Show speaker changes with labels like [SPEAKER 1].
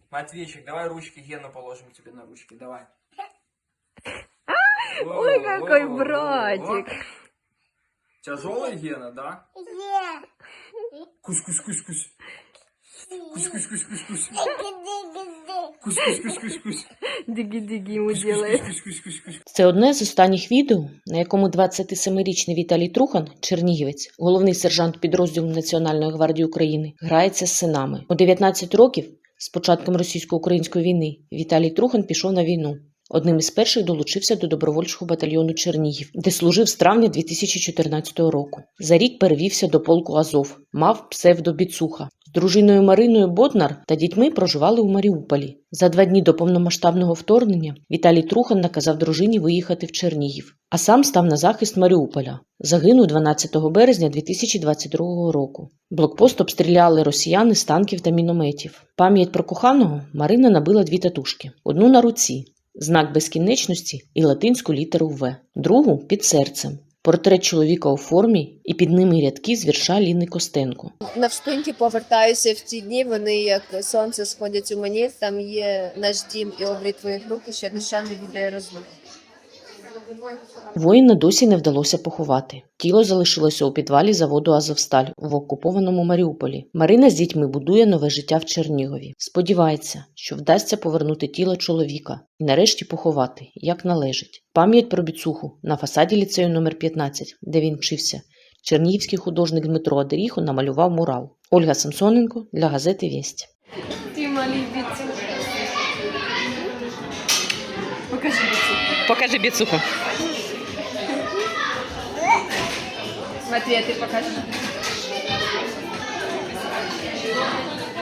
[SPEAKER 1] Матвейчик, давай ручки Гену положим тебе на ручки, давай.
[SPEAKER 2] Ой, какой братик.
[SPEAKER 1] Тяжелый Гена, да? Кусь-кусь-кусь-кусь. Кусь-кусь-кусь-кусь-кусь. Кусь-кусь-кусь-кусь-кусь.
[SPEAKER 2] Диги-диги ему делает.
[SPEAKER 1] Кусь-кусь-кусь-кусь-кусь.
[SPEAKER 3] Це одне з останніх відео, на якому 27-річний Віталій Трухан, чернігівець, головний сержант підрозділу Національної гвардії України, грається з синами. У 19 років, з початком російсько-української війни, Віталій Трухан пішов на війну. Одним із перших долучився до добровольчого батальйону Чернігів, де служив з травня 2014 року. За рік перевівся до полку Азов, мав псевдо Біцуха. З дружиною Мариною Боднар та дітьми проживали у Маріуполі. За 2 дні до повномасштабного вторгнення Віталій Трухан наказав дружині виїхати в Чернігів, а сам став на захист Маріуполя. Загинув 12 березня 2022 року. Блокпост обстріляли росіяни з танків та мінометів. Пам'ять про коханого Марина набила 2 татушки. Одну на руці – знак безкінечності і латинську літеру «В», другу – під серцем. Портрет чоловіка у формі і під ними рядки з вірша Ліни Костенко.
[SPEAKER 2] Навшпиньки повертаюся в ті дні, вони як сонце сходять у мені, там є наш дім і обрій твоїх рук, і ще душа не віддає розлуки.
[SPEAKER 3] Воїна досі не вдалося поховати. Тіло залишилося у підвалі заводу «Азовсталь» в окупованому Маріуполі. Марина з дітьми будує нове життя в Чернігові. Сподівається, що вдасться повернути тіло чоловіка і нарешті поховати, як належить. Пам'ять про Біцуху на фасаді ліцею номер 15, де він вчився, чернігівський художник Дмитро Адеріхо намалював мурал. Ольга Самсоненко для газети «Вість».
[SPEAKER 2] Ти малий Біцух. Покажи Біцух.
[SPEAKER 3] Покажи Біцуху.
[SPEAKER 2] Матвій, ти покажи.